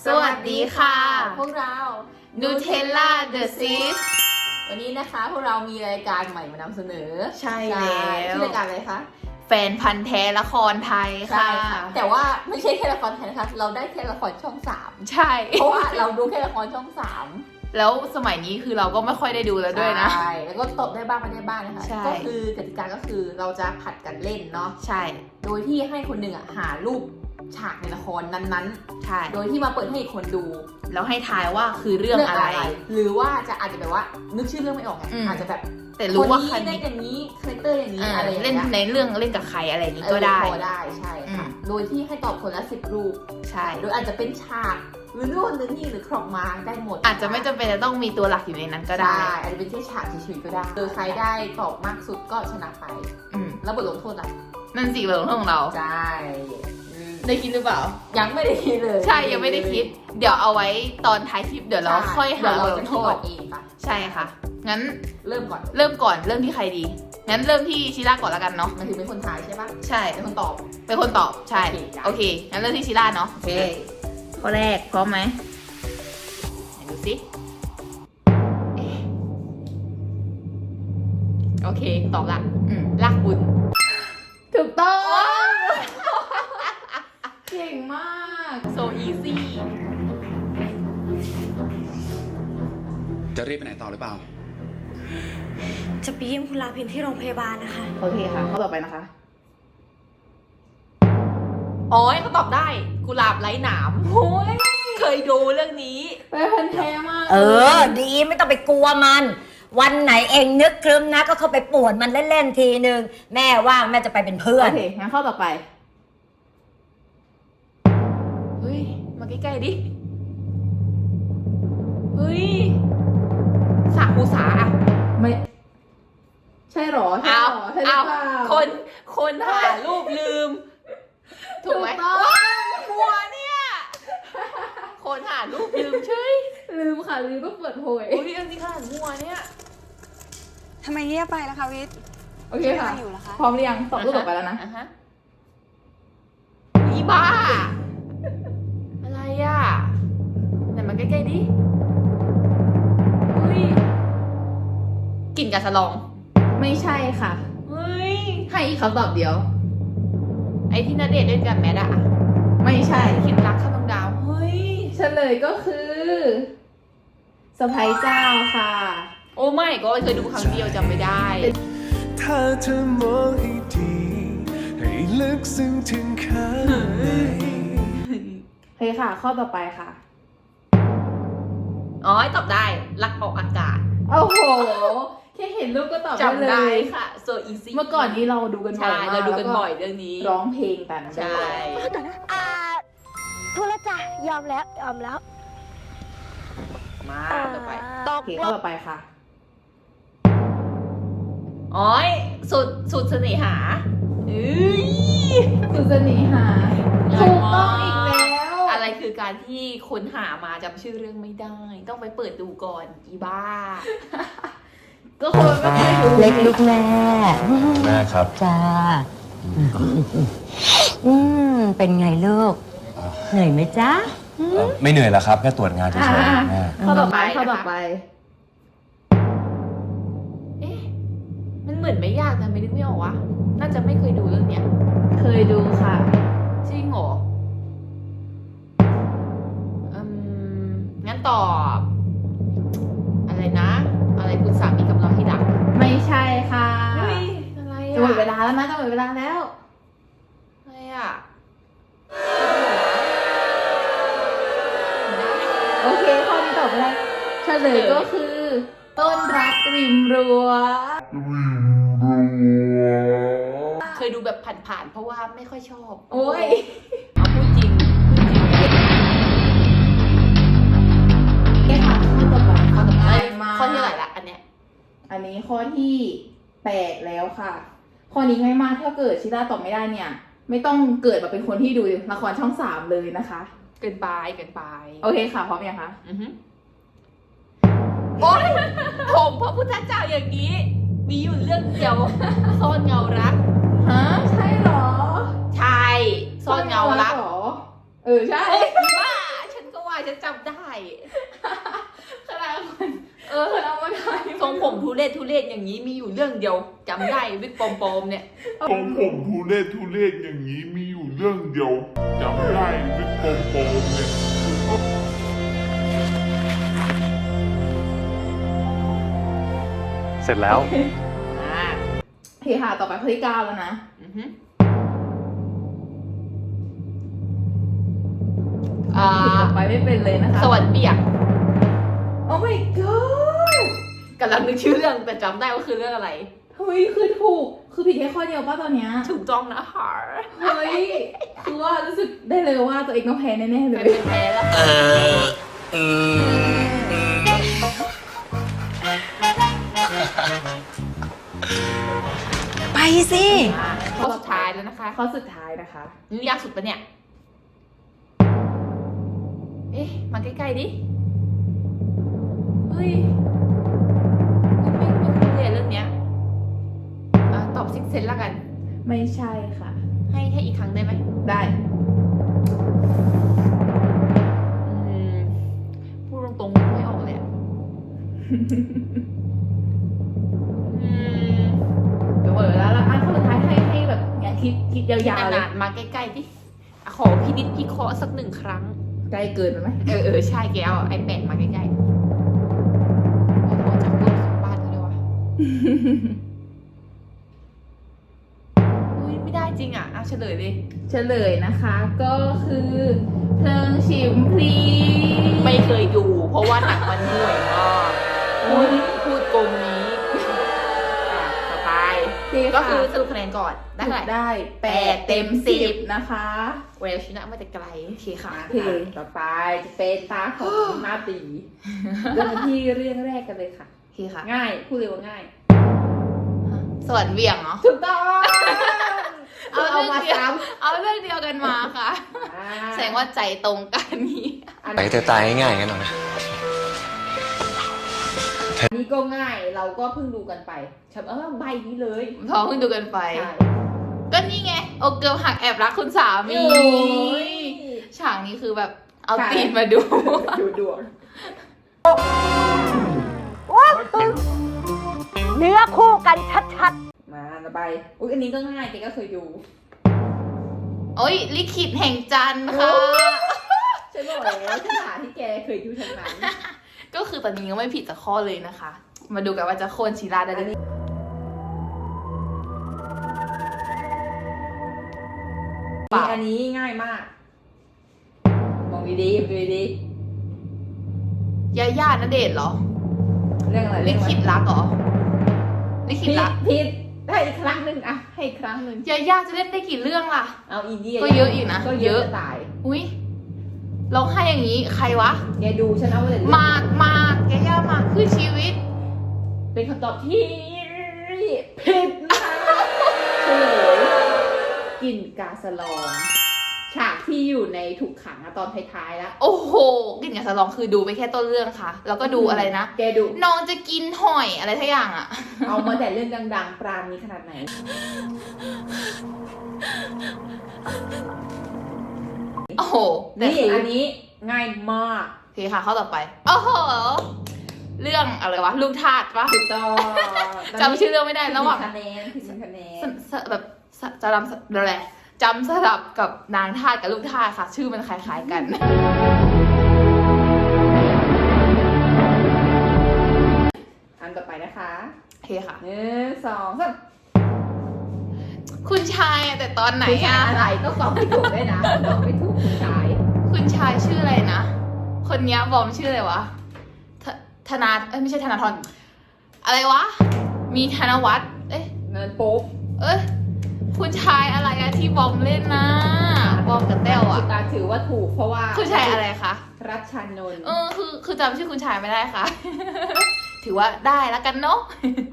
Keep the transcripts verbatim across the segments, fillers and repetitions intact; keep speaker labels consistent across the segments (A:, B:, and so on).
A: สวัสดีค่ะ
B: พวกเรา
A: Nutella The Sis
B: วันนี้นะคะพวกเรามีรายการใหม่มานำเสนอ
A: ใช่แล้ว
B: ชื่อรายการอะไรคะ
A: แฟนพันธ์แท้ละครไทยค่ะ
B: แต่ว่าไม่ใช่แค่ละครไทยนะคะเราได้แค่ละครช่องสาม
A: ใช่
B: เพราะว่าเราดูแค่ละครช่องสาม
A: แล้วสมัยนี้คือเราก็ไม่ค่อยได้ดูแล้วด้วยนะ
B: ใช่แล้วก็ตบได้บ้างไม่ได้บ้างนะคะ
A: ใช่
B: ก็คือกติกาก็คือเราจะผัดกันเล่นเนาะ
A: ใช่
B: โดยที่ให้คนหนึ่งอ่ะหารูปฉากในละครนั้น
A: ใช่
B: ๆ โดยที่มาเปิดให้อีกคนดู
A: แล้วให้ทายว่าคือเรื่องอะไร
B: หรือว่าจะอาจจะแบบว่านึกชื่อเรื่องไม่ออกไง
A: อืม
B: อาจจะแบบ
A: แต่รู้ว่า
B: ค
A: ใคร
B: นนี้ได้อย่างนี้คาแรคเตอร์อย่างนี้
A: อ่า
B: อะไรอย่าง
A: เล่น
B: เงี้ย
A: ในเรื่องเล่นกับใครอะไรอย่างนี้
B: เออ
A: ก็ได้
B: พอได้ใช่ค่ะ
A: อืม
B: โดยที่ให้ตอบคนละสิบรูป
A: ใช่
B: โดยอาจจะเป็นฉากหรือนู่นหรือนี่หรือครอกมาได้หมด
A: อาจจะไม่จำเป็นจะต้องมีตัวหลักอยู่ในนั้นก็ได้
B: ใช่อาจจะเป็นแค่ฉากเฉยๆก็ได้โดยใครได้ตอบมากสุดก็ชนะไป
A: อืม
B: แล้วบทลงโทษล่ะ
A: นั่นสิบทลงโทษของเรา
B: ใช่อืม
A: ได้คิดหรือเปล่า
B: ยังไม่ได้คิดเลย
A: ใช่ยังไม่ได้คิด เดี๋ยวเอาไว้ตอนท้ายคลิปเดี๋ยวเราค่อยหา
B: เดี๋ว
A: บ
B: เรา
A: ทล
B: จะ
A: ง
B: คิ
A: โท
B: ดอ
A: ษ
B: อกเองค่ะ
A: ใช่ค่ะ งั้น
B: เริ่มก่อน
A: เริ่มก่อนเริ่มที่ใครดี งั้นเริ่มที่ชิล่าก่อนแล้วกันเนาะ
B: มันถือเป็นคนทายใช่ปะ
A: ใช่
B: เป็นคนตอบ
A: เป็นคนตอบ ใช่
B: โอเคจ้ะ
A: โอเค งั้นเริ่มที่ชิล่าเนาะ โอเค ข้อแรกพร้อมไหมไหนดูสิเอ๊ะโอเค ตอบละ อืมลากบุญ
B: ถูกต้องเก่งมาก
A: so easy
C: จะรีบไปไหนต่อหรือเปล่า
D: จะไปเยี่ยมคุณลาพินที่โรงพยาบาลนะคะ
A: โอเคค่ะ ข้อต่อไปนะคะ
B: อ๋อเขาตอบได้กุหลาบไร้หนามโอ้ย
A: เคยดูเรื่องนี้
B: ไปพันแท้มาก
E: เออ ดีไม่ต้องไปกลัวมัน วันไหนเองนึกครึ้มนะ ก็เข้าไปป่วนมันเล่นๆทีนึง แม่ว่างแม่จะไปเป็นเพื่อน
A: โอเค งั้นข้อต่อไป เฮ้ย มาใกล้ๆดิ เฮ้ย สาคูสาอะ
B: ไม่ใช่หรอใช่
A: เอา
B: หรอใช่หรื
A: เอา
B: อเปล่า
A: คน คนหารูปลืม ถูกไหม
B: ถูกต้อง
A: ว้าวมัวเนี่ย คนหารูปลืมเฉย
B: ลืมค่ะลืมต้องเปิดโผย
A: โอ้ยอันนี้ขนาดมัวเนี่ย
D: ทำไมเงียบไปล่ะคะวิทย์
B: โอเคค่ะ
D: ไม่อยู่เหรอคะ
B: พร้อมหรือยังตอบรูปต่อไปแล้วนะ
A: อ่าฮะอีบ้า อะไรอ่ะไหนมาใกล้ๆดิเฮ้ยกลิ่นกาสะลอง
B: ไม่ใช่ค่ะ
A: เฮ้ย
B: ให้อีกคำตอบเดียว
A: ไอที่นาเดชน์เล่นกับแมทอะ
B: ไม่ใช่
A: คิดรักข้ามดวงดาว เฮ้ย
B: เฉลยก็คือสะพ้ยเจ้าค่ะ
A: โอ้ไม่ก็เคยดูครั้งเดียวจำไม่ได้
F: ถ้าเธอมองให้ดี ให้ลึกซึ้งถึงข้างใน
B: เฮ้ยค่ะ ข้อต่อไปค่ะ
A: อ๋อตอบได้ รักออกอากาศ
B: โอ้โห แค่เห็นรูปก็ตอบได้
A: จำ
B: เล
A: ได้
B: ย
A: ค่ะ so easy
B: เมื่อก่อนนี้เราดูกันบ่อ
A: ใช่
B: ยมาก
A: เราดูกัน
B: แล้ว
A: บ่อยเรื่องนี้
B: ร้องเพลงกัน
A: ใช่
D: อ่าพูดแล้วจ้ะ ยอมแล้ว ยอมแล้ว
A: มาต่อไป
D: ต
B: โอก เคข้อต่อไปค่ะ
A: อ๋อยสุดสุดเสน่หาเอ้ย
B: สุสนีหา
A: ง่าย
B: ถูก
A: มาก
B: ต้องอีกแล้ว
A: อะไรคือการที่ค้นหามาจำชื่อเรื่องไม่ได้ ต้องไปเปิดดูก่อนอีบ้า
B: ก็คนไม่เคยดู
E: เล็กลูกแม่
F: แม่ครับ
E: จ้า อืม เป็นไงลูก เหนื่อยไหมจ๊ะ
F: ไม่เหนื่อยแล้วครับ แค่ตรวจงานเฉย
B: อ่า
F: ๆแม่
B: ข้อต่อไป
A: นะคะ
B: ข้อต่อไป
A: เอ๊ะ มันเหมือนไม่ยากแต่ไม่นึกไม่ออกวะน่าจะไม่เคยดูเรื่องเนี้ย
B: เคยดูค่ะ
A: จริงเหรออืมงั้นตอบ อะไรนะ อะไรคุณสามีกับเราที่ดัก
B: ไม่ใช่ค่ะ
A: เฮ้ย อะไร
B: จะหมดเว
A: อะ
B: ลาแล้วนะจะหมดเวลาแล้ว
A: อะไรอะ
B: โอเค ข้อนี้ตอบไม่ได้เฉลยก็คือ ต้นรักริมรั้ว
A: เคยดูแบบผ่านๆ เพราะว่าไม่ค่อยชอบ
B: โอ้ย
A: เอาพูดจริงพูดจริง
B: นี่ค่ะข้อต่อไป
A: ข้อต่อไป
B: มา
A: ข้อที่เท่าไหร่ละอันเนี้ย
B: อันนี้ข้อที่แปดแล้วค่ะ ข้อนี้ง่ายมากถ้าเกิดชิต้าตอบไม่ได้เนี่ย ไม่ต้องเกิดมาเป็นคนที่ดูละครช่องสามเลยนะคะ
A: เกินไปเกินไป
B: โอเคค่ะ พร้อมยังคะ
A: อือฮึโอ๊ยผมพระพุทธเจ้าอย่างนี้ มีอยู่เรื่องเดียว ซ่อนเงารัก
B: ฮะ ใช่เหรอ
A: ใช่ ซ่อนเงารัก
B: เหรอ เออ ใช่
A: เอ้ยบ้า ฉันก็ว่า
B: ขนาดคน
A: เออ
B: คนเอามาถ่าย
A: ทรงผมทุเรศทุเรศอย่างนี้มีอยู่เรื่องเดียวจำได้วิกปอมๆเนี่ย
G: ทรงผมทุเรศทุเรศอย่างนี้มีอยู่เรื่องเดียวจำได้วิกโปมโปมเนี่ย
F: เสร็จแล้ว
B: อ่าโอเคค่ะ ต่อไปข้อที่เก้าแล้วนะ
A: อือฮึอ่า
B: ต่อไปไม่เป็นเลยนะคะ
A: สวัสดีเปียก
B: โอ้ my god
A: กำลังนึกชื่อเรื่องแต่จำได้ว่าคือเรื่องอะไร
B: เฮ้ย คือถูก คือผิดแค่ข้อเดียวป่ะตอนเนี้ย
A: ถูกต้องนะฮะ
B: เฮ้ย คือว่ารู้สึกได้เลยว่าตัวเองต้องแพ้แน่ๆเล
A: ไม่
B: ย
A: เป็นแพ้แล้ว
E: ไปสิ
A: ข้อสุดท้ายแล้วนะคะ
B: ข้อสุดท้ายนะคะ
A: นี่ยากสุดปะเนี่ย เอ๊ะ มาใกล้ๆดิ เฮ้ยไม่ไม่คุ้นเลยเรื่องเนี้ยอ่ะตอบซิกเซนแล้วกัน
B: ไม่ใช่ค่ะ
A: ให้ให้อีกครั้งได้ไหม
B: ได้
A: อืม พูดตรงๆไม่ออกเลยอะอืม
B: เดี๋ยวเปิดแล้วแล้วอ่ะข้อสุดท้ายให้ให้แบบงานคิดคิดยาวๆเลย
A: นานๆมาใกล้ๆดิอ่ะขอพินิจพิเคราะห์สักหนึ่งครั้ง
B: ใกล้เกินไปไหม
A: เออเออใช่แกเอาไอแปดมาใกล้ๆโอ้โหจากรูปของบ้านเขาเลยวะ อุ้ยไม่ได้จริงอ่ะอ่ะเฉลยเลย
B: เฉลยนะคะ ก็คือเพลิงฉิมพลี
A: ไม่เคยดู เพราะว่าหนังมันห่วยมากพูดพูดโกงนี้อ่ะต่อไป ก็คือสรุปคะแนนก่อน ได้
B: ได้
A: เท่าไหร่
B: ได้แปดเต็มสิบนะคะ
A: เวลชนะมาแต่ไกลโอเคค่ะ
B: โอเคต่อไปจะเป็นตาของมาตีเริ่มกันที่เรื่องแรกกันเลยค่ะ
A: โอเคค่ะ
B: ง่ายพูดเลยว่าง่าย
A: สวรรค์เวียงเนาะ
B: ถูกต้อง
A: เอา
B: เอา
A: เรื่อง
B: มา
A: เดียว
B: ซ้
A: เอาเรื่องเดียวกันมาค่ะ
B: ำอ่า
A: แสดงว่าใจตรงกันนี้
B: อัน
C: ไปเธอตายง่ายๆกันหน่อย
B: นี้ก็ง่ายเราก็เพิ่งดูกันไปฉันเออใบนี้เลย
A: พอเพิ่งดูกันไป
B: ใช่
A: ก็นี่ไง โอเกิลหักแอบรักคุณสามี
B: โอ้ย
A: ฉากนี้คือแบบเอา
B: ใช่
A: ตีนมาดู
B: ดูดวง
E: เนื้อคู่กันชัด
B: มาต่อไปอุ้ยอันนี้ก็ง่ายแกก็เคยดู
A: โอ้ยลิขิตแห่งจันทร์ค่ะ
B: ฉันบอกแล้วที่หาที่แกเคยดูทั้งนั้น
A: ก็คือตอนนี้ก็ไม่ผิดจากข้อเลยนะคะ มาดูกันว่าจะโค่นชีราได้หรือเปล่า
B: อันนี้ง่ายมาก มองดีๆดูดี
A: ยาย่าณเดชน์เหรอ
B: ๆเรื่องอะไร
A: ลิ
B: เรื่องอะไร
A: ขิตรักเหรอ ลิขิต
B: ผิด
A: รัก
B: ผิดได้อีกครั้งหนึ่งอะให้อีกครั้งหนึ่ง
A: ยาย่าจะเล่นได้กี่เรื่องล่ะ
B: เอาอีเดีย
A: ก็เยอะอยู่นะ
B: ก็เย
A: เย
B: อะ
A: อะ
B: จะตาย
A: อุ้ยร้องไห้อย่างนี้ใครวะ
B: แกดูฉันเอาไว้เลย
A: มากมากยาย่ามากคือชีวิต
B: เป็นคำตอบที่ผิดนะคะเฉลยกลิ่นกาสลอง ฉากที่อยู่ในถูกขังอะตอนท้ายๆแล้ว
A: โอ้โหกลิ่นกับสลองคือดูไปแค่ต้นเรื่องค่ะ แล้วก็ดูอะไรนะ
B: แกดู
A: น้องจะกินหอยอะไรทั้งอย่างอ่ะ
B: เอามาแต่เรื่องดังๆ ปราณีขนาดไหน
A: โอ้โหแต่
B: นี่
A: คือ
B: อันนี้ง่ายมาก
A: โอเคค่ะข้อต่อไป โอ้โห เรื่องอะไรวะ ลูกทาสปะ
B: ถูกต้อง
A: จำชื่อเรื่องไม่ได้ระหว่าง
B: คะแนนผิดหนึ่งคะแนน
A: สสแบบสจะจำอะไรจำสลับกับนางทาสกับลูกทาสค่ะ ชื่อมันคล้ายๆกัน
B: อันต่อไปนะคะ
A: โอเคค่ะ
B: หนึ่งสองสาม
A: คุณชายอะแต่ตอนไหน
B: คุณชา
A: อะ
B: ยอะไรก็ตอบไม่ถูกด้วยนะตอบไม่ถูกคุณชาย
A: คุณชายชื่ออะไรนะ คนเนี้ยบอมชื่ออะไรวะธธนาเอ้ยไม่ใช่ธนาธรอะไรวะ มีธนวัฒน์เอ้ย
B: เงินปุ๊บ
A: เอ้ยคุณชายอะไรอะที่บอมเล่นนะ บอมกับแต้วอะ
B: คุณตาถือว่าถูกเพราะว่า
A: คุณชายอะไรคะ
B: รัชชานนท์
A: เออคือคือจำชื่อคุณชายไม่ได้ค่ะ ถือว่าได้แล้วกันเนาะ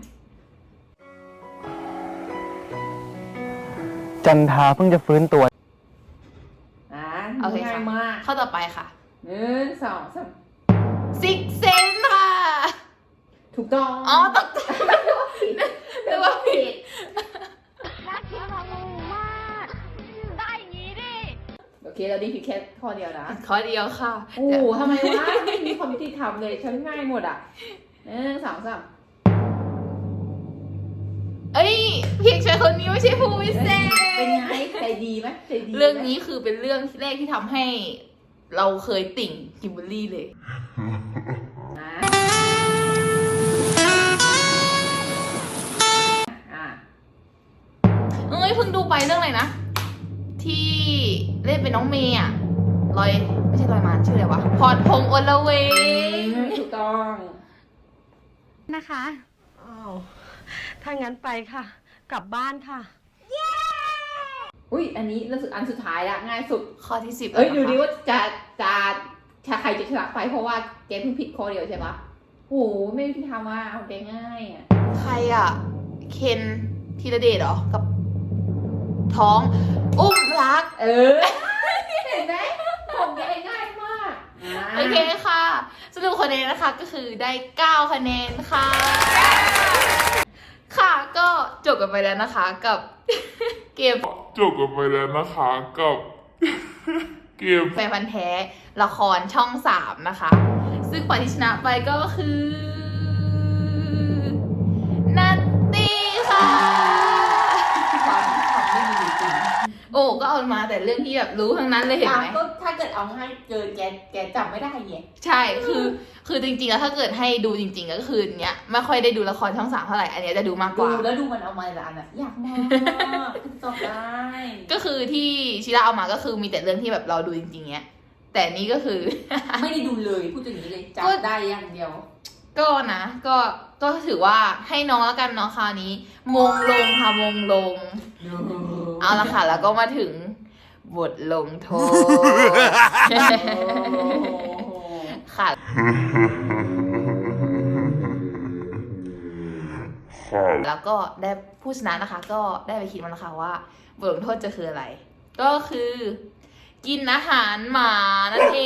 F: จันทาเพิ่งจะฟื้นตัว
B: อ่า
A: โอเค
B: ง่า
A: ค่ะ
B: ยมาก
A: ข้อต่อไปค่ะ
B: หนึ่งสองสาม
A: ซิกเซนค่ะ
B: ถูกต้อง
A: อ๋อตกใจ นึกว่าผิด
D: น่าคิดของหนูมาก ได้อย่างนี้ดิ
B: โอเคเราได้ผิดแค่ข้อเดียวนะ
A: ข้อเดียวค่ะ
B: โอ้โหทำไมวะไม่มีความยุติธรรมเลยฉันง่ายหมดอ่ะหนึ่งสองสาม
A: เอ้ยเพียงชายคนนี้ไม่ใช่ผู้วิเศษ
B: เป็นไงใจดีไหมใจดีไหม
A: เรื่องนี้คือเป็นเรื่องแรกที่ทำให้เราเคยติ่งคิมเบอรรี่เลย
B: อ่ะอ่ะ
A: เอ้ยเพิ่งดูไปเรื่องอะไรนะ ที่เล่นเป็นน้องเมย์อะลอยไม่ใช่ลอยมานชื่ออะไรวะพรพงษ์อลเวง
B: ถูกต้อง
H: นะคะอ้าวถ้างั้นไปค่ะ กลับบ้านค่ะ
B: อุ้ยอันนี้รู้สึกอันสุดท้ายละง่ายสุด
A: ข้อที่สิบ
B: เอ้ย
A: แล้ว
B: ดู
A: นะคะ
B: ดิว่าจะจะจะใครจะชนะไปเพราะว่าแกเพิ่งผิดข้อเดียวใช่ปะโอ้โหไม่ยุติธรรมว่าเอาแกง่ายอ่ะ
A: ใครอะเคนธีรเดชเหรอ กับ ท้อง อุ้มรัก
B: เออ เห็นไหมของแกง่ายมากอ่ะ
A: โอเคค่ะ สรุปคะแนนนะคะก็คือได้เก้าคะแนนค่ะ ค่ะก็จบกันไปแล้วนะคะกับ เกม
G: จบกันไปแล้วนะคะกับ เกม
A: แฟนพันธ์แท้ละครช่องสามนะคะ ซึ่งฝ่ายที่ชนะไปก็คือนัตตี้ค่ะ
B: ความความไม่มีอยู่จริง
A: โอ้ก็เอามาแต่เรื่องที่แบบรู้ทั้งนั้นเลยเห็นไหม
B: อ่ะก็ถ้าเกิดเอาง่ายเกินแกแกจำไม่ได้ไง
A: ใช่ คือ คือจริงๆ แล้วถ้าเกิดให้ดูจริงๆ ก็คือเนี้ยไม่ค่อยได้ดูละครช่องสามเท่าไหร่ อันเนี้ยจะดูมากก
B: ดู
A: ว่า
B: แล้วดูมันเอามาแต่ละอันอะอยากมากตอบได้
A: ก็คือที่ชิระเอามาก็คือมีแต่เรื่องที่แบบเราดูจริงๆ เนี้ย แต่นี้ก็คือ
B: ไม่ได้ดูเลยพูดอย่างนี้เลย
A: ก็
B: จำได้อย่างเดียว
A: ก็นะ ก็ ก็ถือว่าให้น้องแล้วกันเนาะคราวนี้ มงลงค่ะมงลง เอาละค่ะ แล้วก็มาถึงบทลงโทษ ค่ะ แล้วก็ได้ผู้ชนะนะคะ ก็ได้ไปคิดมาแล้วค่ะว่าบทลงโทษจะคืออะไร ก็คือ กินอาหารหมานั่นเอง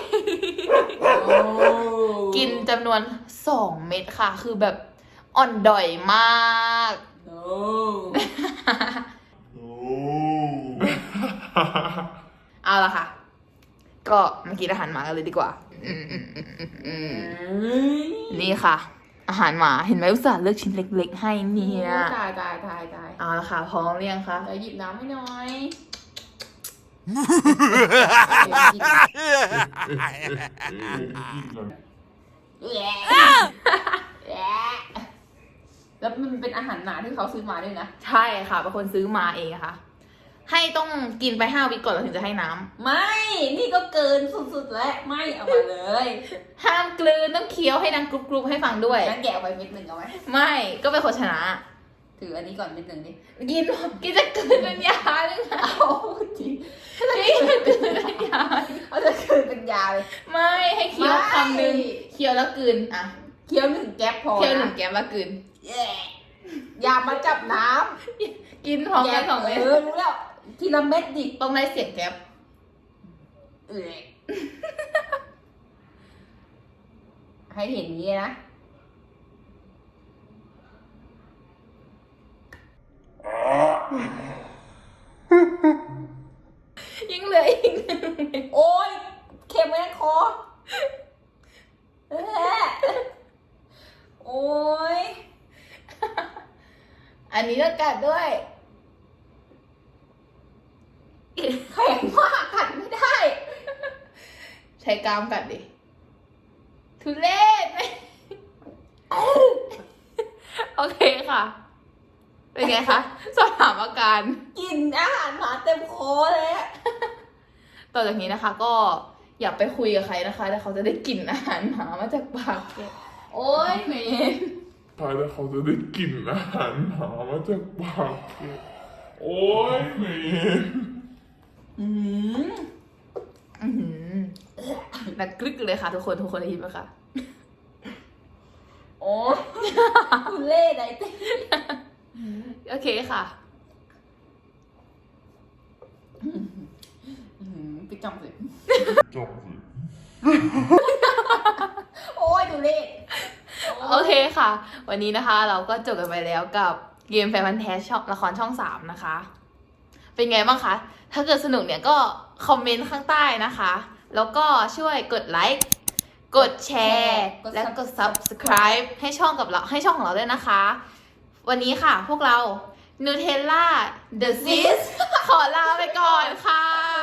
A: กินจำนวนสองเม็ดค่ะ คือแบบอ่อนด่อยมาก
B: โอ้
G: โอ้
A: เอาละค่ะ ก็มากินอาหารหมากันเลยดีกว่า อืมอืมอืมอืมอืมนี่ค่ะ อาหารหมาเห็นไหมอุตส่าห์เลือกชิ้นเล็กๆให้เนี่ย
B: ตายตายตายตาย
A: เอาละค่ะพร้อมหรือยังคะ
B: เดี๋ยวหยิบน้ำให้หน่อย แล้วมันเป็นอาหารหมาที่เขาซื้อมาด้วยนะ
A: ใช่ค่ะเป็นคนซื้อมาเองค่ะ ให้ต้องกินไปห้าวิก่อนแล้วถึงจะให้น้ำ
B: ไม่ นี่ก็เกินสุดๆแล้ว ไม่เอามาเลย
A: ห้ามกลืนต้องเคี้ยวให้ดังกรุบๆให้ฟังด้วย
B: งั้นแกะเอาไปเม็ดหนึ่งเอาไหม
A: ไม่ก็เป็นคนชนะ
B: ถืออันนี้ก่อนเม็ดหนึ่งดิ
A: กินกินจะกลืนเป็นยาหรือไง
B: เอาจริง
A: กินจะกลืนเป็นยา
B: เอาจะคืนเป็นยาเลย
A: ไม่ให้เคี้ยวคำหนึ่ง
B: ไม่
A: เคี้ยวแล้วกลืนอ่ะ
B: เคี้ยวหนึ่งแก๊ปพอ
A: เคี้ยวหนึ่ง
B: นะ
A: แก้มแล้วกลืน
B: แย่อย่ามาจับน้
A: กินพร้อม
B: ำ
A: กันสองเม็ด
B: เออรู้แล้ว ทีละเม็ดดิ
A: ต้องได้เสียงแก๊ป
B: เออให้เห็นอย่างนี้นะ
A: ยังเหลืออีกหนึ่งเม็ด
B: โอ้ยเค็มไว้ในคอเออโอ้ย
A: อันนี้ก็กัดด้วย
B: แข็งมากกัดไม่ได้
A: ใช้กรามกัดดิ ทุเรศไหม โอเคค่ะ เป็นไงคะ สอบถามอาการ
B: กินอาหารหมาเต็มคอเลยอะ
A: ต่อจากนี้นะคะ ก็อย่าไปคุยกับใครนะคะแล้วเขาจะได้กลิ่นอาหารหมามาจากปากแกโอ๊ยเหม็น
G: ท้ายแล้วเขาจะได้กลิ่นอาหารหมามาจากปากแกโอ้ยเหม็น
B: อืม
A: อื้อหือดังกรึกเลยค่ะทุกคนทุกคนได้ยินไหมคะ
B: โอ้ยคุณเล่ไหนเต้
A: โอเคค่ะ
B: ไปจำสิ
G: จบสิ
B: โอ้ยดูเล่
A: โอเคค่ะ วันนี้นะคะเราก็จบกันไปแล้วกับเกมแฟนพันธ์แท้ช่องละครช่องสามนะคะเป็นไงบ้างคะ ถ้าเกิดสนุกเนี่ยก็คอมเมนต์ข้างใต้นะคะ แล้วก็ช่วยกดไลค์ กดแชร์
E: กด
A: และกด subscribe ให้ช่องกับเราให้ช่องของเราด้วยนะคะ วันนี้ค่ะพวกเรา Nutella The Sis ขอลาไปก่อนค่ะ